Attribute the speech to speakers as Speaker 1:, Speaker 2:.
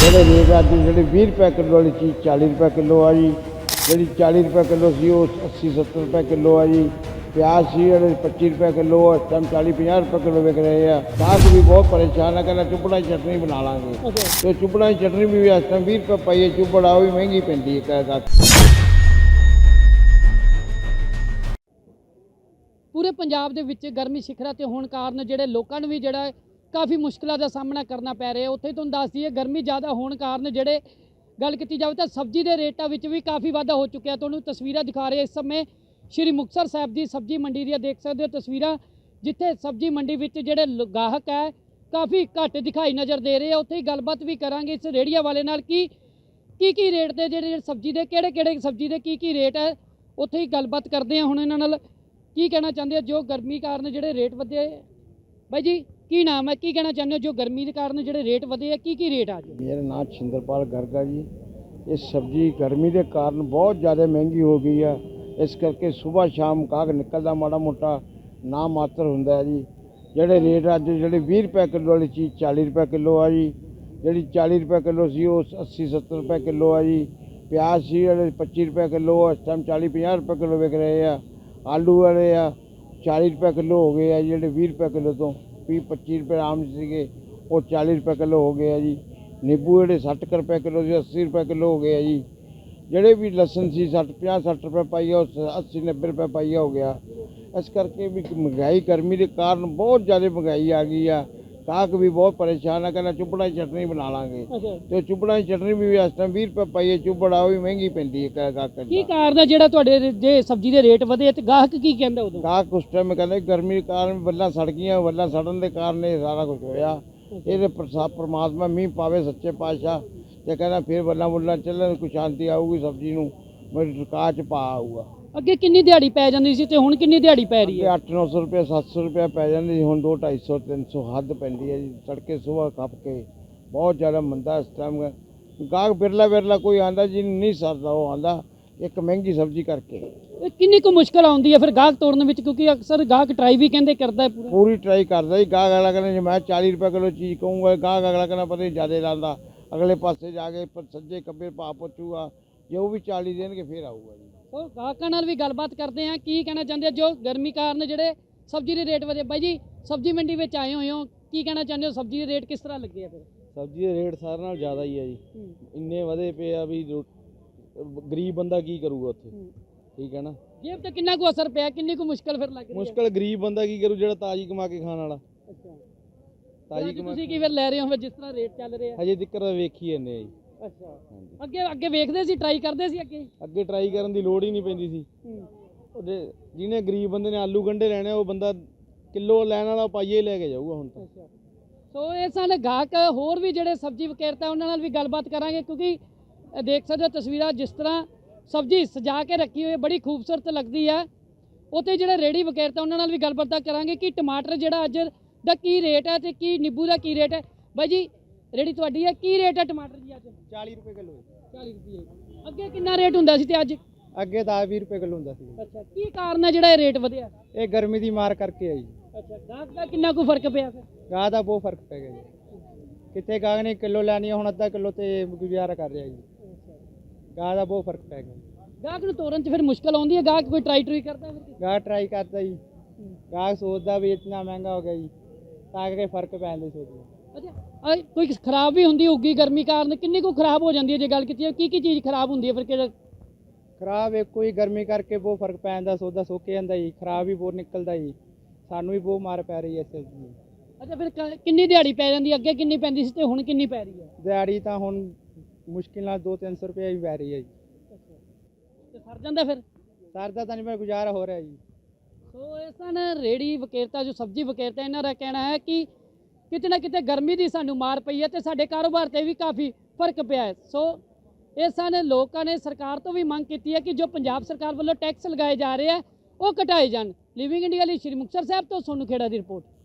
Speaker 1: ਜਿਹੜੇ ਰੇਟ ਅੱਜ ਜਿਹੜੀ 20 ਰੁਪਏ ਕਿਲੋ ਵਾਲੀ ਚੀਜ਼ 40 ਰੁਪਏ ਕਿਲੋ ਆ ਜੀ, ਜਿਹੜੀ 40 ਰੁਪਏ ਕਿਲੋ ਸੀ ਉਹ 80-70 ਰੁਪਏ ਕਿਲੋ ਆ ਜੀ। ਪਿਆਜ਼ ਸੀ ਜਿਹੜੇ 25 ਰੁਪਏ ਕਿਲੋ, ਇਸ ਟਾਈਮ 40-50 ਰੁਪਏ ਕਿਲੋ ਵਿਕ ਰਹੇ ਆ। ਗਾਹਕ ਵੀ ਬਹੁਤ ਪਰੇਸ਼ਾਨ ਆ, ਕਹਿੰਦਾ ਚੁੱਪੜਾ ਦੀ ਚਟਨੀ ਬਣਾ ਲਾਂਗੇ ਤੇ ਚੁੱਪੜਾ ਦੀ ਚਟਨੀ ਵੀ ਇਸ ਟਾਈਮ 20 ਰੁਪਏ ਪਈ ਹੈ। ਚੁੱਪੜ ਆ ਉਹ ਵੀ ਮਹਿੰਗੀ ਪੈਂਦੀ ਹੈ ਗਾਹਕ।
Speaker 2: ਪੂਰੇ ਪੰਜਾਬ ਦੇ ਵਿੱਚ ਗਰਮੀ ਸਿਖਰਾਂ ਤੇ ਹੋਣ ਕਾਰਨ ਜਿਹੜੇ ਲੋਕਾਂ ਨੂੰ ਵੀ ਜਿਹੜਾ ਕਾਫੀ ਮੁਸ਼ਕਲਾਂ ਦਾ ਸਾਹਮਣਾ ਕਰਨਾ ਪੈ ਰਿਹਾ। ਉੱਥੇ ਤੁਹਾਨੂੰ ਦੱਸ ਦਈਏ ਗਰਮੀ ਜ਼ਿਆਦਾ ਹੋਣ ਕਾਰਨ ਜਿਹੜੇ ਗੱਲ ਕੀਤੀ ਜਾਵੇ ਤਾਂ ਸਬਜ਼ੀ ਦੇ ਰੇਟਾਂ ਵਿੱਚ ਵੀ ਕਾਫੀ ਵਾਧਾ ਹੋ ਚੁੱਕਿਆ। ਤੁਹਾਨੂੰ ਤਸਵੀਰਾਂ ਦਿਖਾ ਰਹੇ ਇਸ ਸਮੇਂ ਸ਼੍ਰੀ ਮੁਕਤਸਰ ਸਾਹਿਬ ਦੀ ਸਬਜ਼ੀ ਮੰਡੀ ਦੀਆਂ ਦੇਖ ਸਕਦੇ ਹੋ ਤਸਵੀਰਾਂ, ਜਿੱਥੇ ਸਬਜ਼ੀ ਮੰਡੀ ਵਿੱਚ ਜਿਹੜੇ ਗਾਹਕ ਹੈ ਕਾਫੀ ਘੱਟ ਦਿਖਾਈ ਨਜ਼ਰ ਦੇ ਰਹੇ ਆ। ਉੱਥੇ ਹੀ ਗੱਲਬਾਤ ਵੀ ਕਰਾਂਗੇ ਇਸ ਰੇਹੜੀਆਂ ਵਾਲੇ ਨਾਲ ਕੀ ਰੇਟ ਦੇ ਜਿਹੜੇ ਸਬਜ਼ੀ ਦੇ ਕਿਹੜੇ ਸਬਜ਼ੀ ਦੇ ਕੀ ਰੇਟ ਹੈ। ਉੱਥੇ ਹੀ ਗੱਲਬਾਤ ਕਰਦੇ ਆ ਹੁਣ ਇਹਨਾਂ ਨਾਲ। ਕੀ ਕਹਿਣਾ ਚਾਹੁੰਦੇ ਹੋ ਜੋ ਗਰਮੀ ਕਾਰਨ ਜਿਹੜੇ ਰੇਟ ਵਧੇ? ਬਾਈ ਜੀ ਕੀ ਨਾਮ ਹੈ, ਕੀ ਕਹਿਣਾ ਚਾਹੁੰਦੇ ਹੋ ਜੋ ਗਰਮੀ ਦੇ ਕਾਰਨ ਜਿਹੜੇ ਰੇਟ ਵਧੇ ਆ ਕੀ ਰੇਟ ਆ ਜੀ?
Speaker 1: ਮੇਰਾ ਨਾਮ ਛਿੰਦਰਪਾਲ ਗਰਗ ਆ ਜੀ। ਇਹ ਸਬਜ਼ੀ ਗਰਮੀ ਦੇ ਕਾਰਨ ਬਹੁਤ ਜ਼ਿਆਦਾ ਮਹਿੰਗੀ ਹੋ ਗਈ ਆ। ਇਸ ਕਰਕੇ ਸਵੇਰ ਸ਼ਾਮ ਗਾਹਕ ਨਿਕਲਦਾ ਮਾੜਾ ਮੋਟਾ ਨਾ ਮਾਤਰ ਹੁੰਦਾ ਹੈ ਜੀ। ਜਿਹੜੇ ਰੇਟ ਅੱਜ ਜਿਹੜੇ 20 ਰੁਪਏ ਕਿਲੋ ਵਾਲੀ ਚੀਜ਼ 40 ਰੁਪਏ ਕਿਲੋ ਆ ਜੀ, ਜਿਹੜੀ 40 ਰੁਪਏ ਕਿਲੋ ਸੀ ਉਹ 80-70 ਰੁਪਏ ਕਿਲੋ ਆ ਜੀ। ਪਿਆਜ਼ ਸੀ ਜਿਹੜੇ 25 ਰੁਪਏ ਕਿਲੋ, ਇਸ ਟਾਈਮ 40-50 ਰੁਪਏ ਕਿਲੋ ਵਿਕ ਰਹੇ ਆ। ਆਲੂ ਵਾਲੇ ਆ 40 ਰੁਪਏ ਕਿਲੋ ਹੋ ਗਏ ਆ, ਜਿਹੜੇ 20 ਰੁਪਏ ਕਿਲੋ ਤੋਂ 20-25 ਰੁਪਏ ਆਮ ਸੀਗੇ ਉਹ 40 ਰੁਪਏ ਕਿਲੋ ਹੋ ਗਏ ਆ ਜੀ। ਨਿੰਬੂ ਜਿਹੜੇ 60 ਰੁਪਏ ਕਿਲੋ ਸੀ 80 ਰੁਪਏ ਕਿਲੋ ਹੋ ਗਏ ਆ ਜੀ। ਜਿਹੜੇ ਵੀ ਲਸਣ ਸੀ 50-60 ਰੁਪਏ ਪਾਈਆ ਉਹ 80-90 ਰੁਪਏ ਪਾਈਆ ਹੋ ਗਿਆ। ਇਸ ਕਰਕੇ ਵੀ ਮਹਿੰਗਾਈ ਗਰਮੀ ਦੇ ਕਾਰਨ ਬਹੁਤ ਜ਼ਿਆਦਾ ਮਹਿੰਗਾਈ ਆ ਗਈ ਆ। ਗਾਹਕ ਵੀ ਬਹੁਤ ਪਰੇਸ਼ਾਨ ਆ, ਕਹਿੰਦਾ ਚੁੱਪੜਾ ਦੀ ਚਟਨੀ ਬਣਾ ਲਾਂਗੇ ਤੇ ਚੁੱਪੜਾ ਦੀ ਚਟਨੀ ਵੀ ਇਸ ਟਾਈਮ 20 ਰੁਪਏ ਪਾਈਏ। ਚੁੱਪੜ ਆ ਉਹ ਵੀ ਮਹਿੰਗੀ ਪੈਂਦੀ ਹੈ ਗਾਹਕ।
Speaker 2: ਕੀ ਕਾਰਨ ਹੈ ਜਿਹੜਾ ਤੁਹਾਡੇ ਜੇ ਸਬਜ਼ੀ ਦੇ ਰੇਟ ਵਧੇ ਤੇ ਗਾਹਕ ਕੀ ਕਹਿੰਦਾ ਉਦੋਂ?
Speaker 1: ਗਾਹਕ ਉਸ ਟਾਈਮ ਕਹਿੰਦੇ ਗਰਮੀ ਦੇ ਕਾਰਨ ਵੱਲਾਂ ਸੜ ਗਈਆਂ, ਵੱਲਾਂ ਸੜਨ ਦੇ ਕਾਰਨ ਇਹ ਸਾਰਾ ਕੁਝ ਹੋਇਆ। ਇਹਦੇ ਪਰਮਾਤਮਾ ਮੀਂਹ ਪਾਵੇ ਸੱਚੇ ਪਾਤਸ਼ਾਹ ਤੇ ਕਹਿੰਦਾ ਫਿਰ ਵੱਲਾਂ ਬੁੱਲਾਂ ਚੱਲਣ, ਕੋਈ ਸ਼ਾਂਤੀ ਆਊਗੀ ਸਬਜ਼ੀ ਨੂੰ, ਮੇਰੀ ਸਰਕਾਰ 'ਚ ਪਾ ਆਊਗਾ।
Speaker 2: ਅੱਗੇ ਕਿੰਨੀ ਦਿਹਾੜੀ ਪੈ ਜਾਂਦੀ ਸੀ ਤੇ ਹੁਣ ਕਿੰਨੀ ਦਿਹਾੜੀ ਪੈ ਰਹੀ ਹੈ?
Speaker 1: 800-900 ਰੁਪਏ 700 ਰੁਪਏ ਪੈ ਜਾਂਦੀ ਸੀ, ਹੁਣ 200-250-300 ਹੱਦ ਪੈਂਦੀ ਹੈ ਜੀ। ਤੜਕੇ ਸੁਬਾਹ ਖੱਪ ਕੇ ਬਹੁਤ ਜ਼ਿਆਦਾ ਮੰਦਾ ਇਸ ਟਾਈਮ। ਗਾਹਕ ਬਿਰਲਾ ਕੋਈ ਆਂਦਾ ਜੀ ਨਹੀਂ ਸਰਦਾ, ਉਹ ਆਂਦਾ ਇੱਕ ਮਹਿੰਗੀ ਸਬਜ਼ੀ ਕਰਕੇ।
Speaker 2: ਇਹ ਕਿੰਨੀ ਕੁ ਮੁਸ਼ਕਲ ਆਉਂਦੀ ਹੈ ਫਿਰ ਗਾਹਕ ਤੋੜਨ ਵਿੱਚ, ਕਿਉਂਕਿ ਅਕਸਰ ਗਾਹਕ ਟਰਾਈ ਵੀ ਕਹਿੰਦੇ ਕਰਦਾ ਹੈ
Speaker 1: ਪੂਰੀ ਟਰਾਈ ਕਰਦਾ ਜੀ। ਗਾਹਕ ਅਗਲਾ ਕਹਿੰਦਾ ਜੇ ਮੈਂ 40 ਰੁਪਏ ਕਿਲੋ ਚੀਜ਼ ਕਹੂੰਗਾ, ਗਾਹਕ ਅਗਲਾ ਕਹਿੰਦਾ ਪਤਾ ਨਹੀਂ ਜ਼ਿਆਦਾ ਲਾਉਂਦਾ, ਅਗਲੇ ਪਾਸੇ ਜਾ ਕੇ ਸੱਜੇ ਖੱਬੇ ਭਾਅ ਪੁੱਛੂਗਾ, ਜੇ ਉਹ ਵੀ 40 ਦੇਣਗੇ ਫਿਰ ਆਊਗਾ ਜੀ।
Speaker 2: ਉਹ ਗਾਹਕਾਂ ਨਾਲ ਵੀ ਗੱਲਬਾਤ ਕਰਦੇ ਆ ਕੀ ਕਹਿਣਾ ਚਾਹੁੰਦੇ ਆ ਜੋ ਗਰਮੀ ਕਾਰਨ ਜਿਹੜੇ ਸਬਜ਼ੀ ਦੇ ਰੇਟ ਵਧੇ। ਬਾਈ ਜੀ ਸਬਜ਼ੀ ਮੰਡੀ ਵਿੱਚ ਆਏ ਹੋਏ ਹੋ, ਕੀ ਕਹਿਣਾ ਚਾਹੁੰਦੇ ਹੋ ਸਬਜ਼ੀ ਦੇ ਰੇਟ ਕਿਸ ਤਰ੍ਹਾਂ ਲੱਗੇ ਆ? ਫਿਰ
Speaker 3: ਸਬਜ਼ੀ ਦੇ ਰੇਟ ਸਾਰਿਆਂ ਨਾਲ ਜ਼ਿਆਦਾ ਹੀ ਆ ਜੀ। ਇੰਨੇ ਵਧੇ ਪਏ ਆ ਵੀ ਗਰੀਬ ਬੰਦਾ ਕੀ ਕਰੂਗਾ ਉੱਥੇ, ਠੀਕ ਹੈ ਨਾ।
Speaker 2: ਜੇਬ ਤੇ ਕਿੰਨਾ ਕੁ ਅਸਰ ਪਿਆ, ਕਿੰਨੀ ਕੁ ਮੁਸ਼ਕਲ ਫਿਰ ਲੱਗ ਰਹੀ ਹੈ?
Speaker 3: ਮੁਸ਼ਕਲ ਗਰੀਬ ਬੰਦਾ ਕੀ ਕਰੂ ਜਿਹੜਾ ਤਾਜ਼ੀ ਕਮਾ ਕੇ ਖਾਣ ਵਾਲਾ।
Speaker 2: ਅੱਛਾ
Speaker 3: ਤਾਜ਼ੀ ਕਮਾ
Speaker 2: ਤੁਸੀਂ ਕੀ ਫਿਰ ਲੈ ਰਹੇ ਹੋ ਫਿਰ ਜਿਸ ਤਰ੍ਹਾਂ ਰੇਟ ਚੱਲ ਰਹੇ ਆ?
Speaker 3: ਹਜੇ ਦਿੱਕਤ ਵੇਖੀ ਜਾਂਦੇ ਆ ਜੀ।
Speaker 2: ਅੱਛਾ ਅੱਗੇ ਵੇਖਦੇ ਸੀ, ਟਰਾਈ ਕਰਦੇ ਸੀ
Speaker 3: ਅੱਗੇ ਟਰਾਈ ਕਰਨ ਦੀ ਲੋੜ ਹੀ ਨਹੀਂ ਪੈਂਦੀ ਸੀ। ਉਹਦੇ ਜਿਹਨੇ ਗਰੀਬ ਬੰਦੇ ਨੇ ਆਲੂ ਗੰਢੇ ਲੈਣੇ ਉਹ ਬੰਦਾ ਕਿਲੋ ਲੈਣ ਵਾਲਾ ਪਾਈਏ ਲੈ ਕੇ ਜਾਊਗਾ ਹੁਣ ਤਾਂ।
Speaker 2: ਸੋ ਇਹ ਸਨ ਗਾਹਕ। ਹੋਰ ਵੀ ਜਿਹੜੇ ਸਬਜ਼ੀ ਵਿਕਰੇਤਾ ਉਹਨਾਂ ਨਾਲ ਵੀ ਗੱਲਬਾਤ ਕਰਾਂਗੇ, ਕਿਉਂਕਿ ਦੇਖ ਸਕਦੇ ਹੋ ਤਸਵੀਰਾਂ ਜਿਸ ਤਰ੍ਹਾਂ ਸਬਜ਼ੀ ਸਜਾ ਕੇ ਰੱਖੀ ਹੋਈ ਬੜੀ ਖੂਬਸੂਰਤ ਲੱਗਦੀ ਹੈ। ਉੱਥੇ ਜਿਹੜੇ ਰੇੜੀ ਵਿਕਰੇਤਾ ਉਹਨਾਂ ਨਾਲ ਵੀ ਗੱਲਬਾਤ ਕਰਾਂਗੇ ਕਿ ਟਮਾਟਰ ਜਿਹੜਾ ਅੱਜ ਦਾ ਕੀ ਰੇਟ ਹੈ ਤੇ ਕੀ ਨਿੰਬੂ ਦਾ ਕੀ ਰੇਟ ਹੈ। ਬਾਈ ਜੀ ਰੇੜੀ ਤੁਹਾਡੀ ਹੈ, ਕੀ ਰੇਟ ਹੈ ਟਮਾਟਰ ਜੀ ਅੱਜ?
Speaker 3: 40 ਰੁਪਏ ਕਿਲੋ।
Speaker 2: 40 ਰੁਪਏ। ਅੱਗੇ ਕਿੰਨਾ ਰੇਟ ਹੁੰਦਾ ਸੀ ਤੇ ਅੱਜ?
Speaker 3: ਅੱਗੇ 10-20 ਰੁਪਏ ਕਿਲੋ ਹੁੰਦਾ ਸੀ।
Speaker 2: ਅੱਛਾ ਕੀ ਕਾਰਨ ਹੈ ਜਿਹੜਾ ਇਹ ਰੇਟ ਵਧਿਆ?
Speaker 3: ਇਹ ਗਰਮੀ ਦੀ ਮਾਰ ਕਰਕੇ ਆ ਜੀ।
Speaker 2: ਅੱਛਾ ਗਾਹਕ ਦਾ ਕਿੰਨਾ ਕੁ ਫਰਕ ਪਿਆ ਫਿਰ?
Speaker 3: ਗਾਹ ਦਾ ਬਹੁਤ ਫਰਕ ਪੈ ਗਿਆ ਜੀ। ਕਿੱਥੇ ਗਾਹਕ ਨੇ ਕਿਲੋ ਲੈਣੀ ਆ, ਹੁਣ ਅੱਧਾ ਕਿਲੋ ਤੇ ਗੁਜ਼ਾਰਾ ਕਰ ਰਿਹਾ ਜੀ। ਗਾਹ ਦਾ ਬਹੁਤ ਫਰਕ ਪੈ ਗਿਆ।
Speaker 2: ਗਾਹਕ ਨੂੰ ਤੋਰਨ 'ਚ ਫਿਰ ਮੁਸ਼ਕਲ ਆਉਂਦੀ ਹੈ? ਗਾਹਕ ਕੋਈ ਟਰਾਈ ਕਰਦਾ ਫਿਰ?
Speaker 3: ਗਾਹ ਟਰਾਈ ਕਰਦਾ ਜੀ। ਗਾਹਕ ਸੋਚਦਾ ਵੀ ਇਤਨਾ ਮਹਿੰਗਾ ਹੋ ਗਿਆ ਜੀ, ਤਾਂ ਕਰਕੇ ਫਰਕ ਪੈ ਜਾਂਦਾ ਸੋਚਦਾ।
Speaker 2: ਅੱਛਾ ਕੋਈ ਖਰਾਬ ਵੀ ਹੁੰਦੀ ਹੋਊਗੀ ਗਰਮੀ ਕਾਰਨ? ਕਿੰਨੀ ਕੁ ਖਰਾਬ ਹੋ ਜਾਂਦੀ ਹੈ ਜੇ ਗੱਲ ਕੀਤੀ ਜਾਵੇ? ਕੀ ਚੀਜ਼ ਖਰਾਬ ਹੁੰਦੀ ਹੈ ਫਿਰ? ਕਿਹੜਾ
Speaker 3: ਖਰਾਬ ਇੱਕ ਕੋਈ ਗਰਮੀ ਕਰਕੇ ਬਹੁਤ ਫਰਕ ਪੈ ਜਾਂਦਾ, ਸੌਦਾ ਸੁੱਕ ਜਾਂਦਾ ਜੀ, ਖਰਾਬ ਵੀ ਬਹੁਤ ਨਿਕਲਦਾ ਜੀ। ਸਾਨੂੰ ਵੀ ਬਹੁਤ ਮਾਰ ਪੈ ਰਹੀ ਹੈ ਇਸ ਚੀਜ਼ ਦੀ।
Speaker 2: ਅੱਛਾ ਫਿਰ ਕਿੰਨੀ ਦਿਹਾੜੀ ਪੈ ਜਾਂਦੀ? ਅੱਗੇ ਕਿੰਨੀ ਪੈਂਦੀ ਸੀ ਤੇ ਹੁਣ ਕਿੰਨੀ ਪੈ ਰਹੀ ਹੈ?
Speaker 3: ਦਿਹਾੜੀ ਤਾਂ ਹੁਣ ਮੁਸ਼ਕਿਲ ਨਾਲ 200-300 ਰੁਪਏ ਵੀ ਪੈ ਰਹੀ ਹੈ ਜੀ।
Speaker 2: ਤੇ ਸਰ ਜਾਂਦਾ ਫਿਰ?
Speaker 3: ਸਰਦਾ ਤਾਂ ਨਹੀਂ, ਮੈਂ ਗੁਜ਼ਾਰਾ ਹੋ ਰਿਹਾ ਜੀ।
Speaker 2: ਸੋ ਇਹ ਸਨ ਰੇੜੀ ਵਿਕਰੇਤਾ ਜੋ ਸਬਜ਼ੀ ਵਿਕਰੇਤਾ, ਇਹਨਾਂ ਦਾ ਕਹਿਣਾ ਹੈ ਕਿ ਕਿਤੇ ਨਾ ਕਿਤੇ ਗਰਮੀ ਦੀ ਸਾਨੂੰ ਮਾਰ ਪਈ ਹੈ ਤੇ ਸਾਡੇ ਕਾਰੋਬਾਰ ਤੇ ਵੀ ਕਾਫੀ ਫਰਕ ਪਿਆ ਹੈ। ਸੋ ਇਹ ਸਨ ਲੋਕਾਂ ਨੇ ਸਰਕਾਰ ਤੋਂ ਵੀ ਮੰਗ ਕੀਤੀ ਹੈ ਕਿ ਜੋ ਪੰਜਾਬ ਸਰਕਾਰ ਵੱਲੋਂ ਟੈਕਸ ਲਗਾਏ ਜਾ ਰਹੇ ਆ ਉਹ ਘਟਾਏ ਜਾਣ। ਲਿਵਿੰਗ ਇੰਡੀਆ ਲਈ ਸ਼੍ਰੀ ਮੁਕਤਸਰ ਸਾਹਿਬ ਤੋਂ ਸੋਨੂੰ ਖੇੜਾ ਦੀ ਰਿਪੋਰਟ।